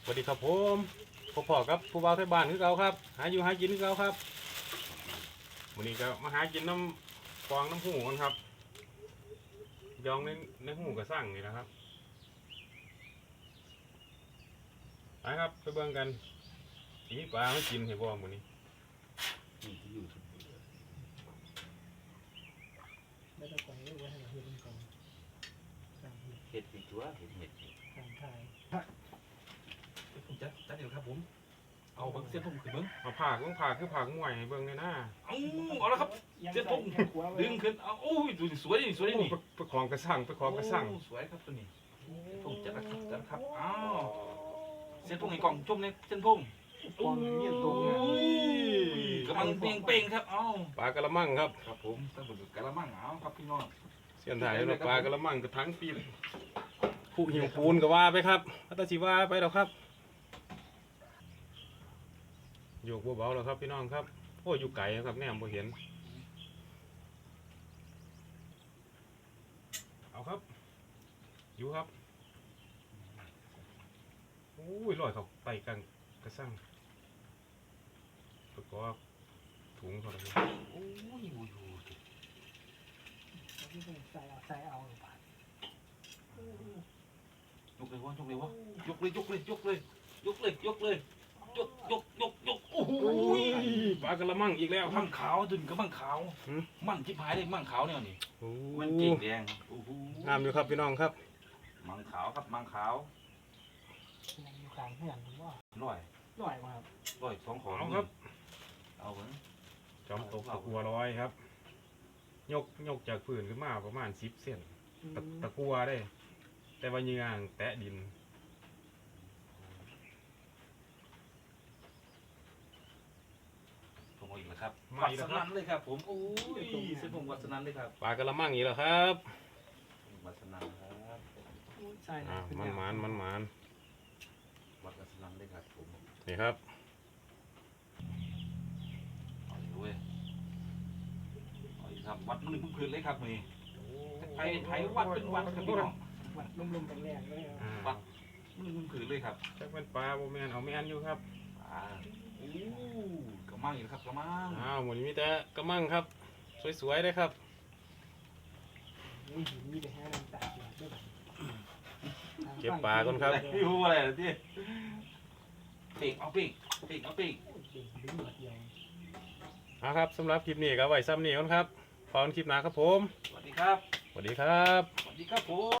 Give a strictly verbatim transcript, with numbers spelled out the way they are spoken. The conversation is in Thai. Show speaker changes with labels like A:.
A: สวัสดีครับผมพ่อพ่อครับผู้บ่าวไทยบ้านคือเก่าครับหาอยู่หากินคือเก่าครับวันนี้ก็มาหากินน้ำฟองน้ำหูกันครับยองในในหูกระสั่งนี่นะครับไปครับไปเบิ่งกันทีนี้ปลาไม่กินเห็นบ่มื้อนี้
B: นี่ที่อยู่ทุก
C: ไม่ต้องปล่อยไว้ไว้ให้เราเห็นก่อนตามเหตุ
B: เห็ดเป็นตัวเห็ดเห็ด
C: ตามทาย
D: ผมจัดจัดเดี๋ยวครับผมเอาเบิ้งเส้นผมขึ้นเบิ้ง
A: มาผากต้องผากคือผากมวยให้เบิ่งเลยนะ
D: เอาเอาแล้วครับเส้นผมดึงขึ้นเอาโอ้ยดูสวยนี่สวย
A: โอ้
D: นี่
A: ไปไปของกระสั่งไปของกระสั่ง
D: โอ้สวยครับตัวนี้ผมจัดแล้วครับจัดแล้วครับอ้าวเส้นผมไอ้กล่องชมในเส้นผม
C: ฟองอย่างนี้ตรง
D: โอ้ยกำลังเปล่งเป่งครับเอ้า
A: ปลากระมังครับ
D: ครับผมตั้งบนกระมังเอาครับพี่น้อง
A: เสียนถ่ายแล้วปลากระมังกระทั้งปีผู้หิวปูนก็ว่าไปครับพัตชิว่าไปแล้วครับโยกเบาๆแล้วครับพี่น้องครับโอ้อยู่ไกลครับแนมบ่เห็นเอาครับอยู่ครับโอ้ยลอยเขาไปกันกระสั่งประกอบถุงเขาเลย
D: โอ้ยโอ้ยโอ้ย
C: ที่เป็นใส่เอาใส่เอาหรือเปล่าย
D: กเลยวะยกเลยวะยกเลยยกเลยยกเลยยกเลยยกเลยยกยกยกยกโอ้โห
A: โอ้ยปลากระมังอีกแล้วครั
D: มั่
A: บ
D: งขาวดึงกับมั่งขาว
A: หืม
D: มั่งที่พายเลยมั่งขาวเนี่ยนี่
A: โอ้
D: มันเก่งแดงโอ้โห
A: งามอยู่ครับพี่น้องครับ
D: มังขาวครับมังขาว
C: ยังอยู่กลางเพื่อนผมว่า
D: ร้อย
C: หน่อยมาครับ
D: ร้อยสองของ
A: เอาครับ
D: เอาเหมือน
A: จอมตกตะกัวร้อยครับ ยกยกจากพื้นขึ้นมาประมาณสิบเซนตะตะกัวได้ แต่ว่าเหยื่างแตะดิน
D: ผมเอาอีกแล้วครับ
A: มา
D: วัด
A: อีก
D: ส
A: แล้วครั
D: นั
A: บ
D: นเลยครับผมโอ้ยเส้นผมวัดสนันเลยครับ
A: ปลากระมังอีกแล้วครับ
D: วัดสนันครับ
C: ใช่
A: อ่ามันหมานมันหมาน
D: วัดสนันเลยครับผม
A: นี่ครับ
D: เอาอีกเว้ยเอาอีกครับวัดมันหนึ่งพื้นเลยครับนี่ไทยไทยวัดเป็นวัดครับพี่น้อง
C: วัดลุ่มๆแรงๆเลยครับ
A: อ่า
D: วัดมันหนึ่งพื้นเลยครับ
A: จักเป็นปลาโบแมนเอาแมนอยู่ครับ
D: อ่าโอ้กระมังอีกแล้วครับกระมัง
A: อ้าวหมดนี้มีแต่กระมังครับ สวยๆเลยครับ
C: มีหินมีแต่แห้งน้ำตาเดือดด้วยแบบ
A: เก็บปลาก่อนครับ
D: พี่พูดอะไรนะที่เป่งเอาเป่งเป่งเอาเป่ง
C: เด่งดึงหมดเดียว
A: เอาครับสำหรับคลิปนี้ก็ไว้ซ้ำนี้ก่อนครับพอกันคลิปหน้าครับผม
D: สวัสดีครับ
A: สวัสดีครับ
D: สวัสดีครับผม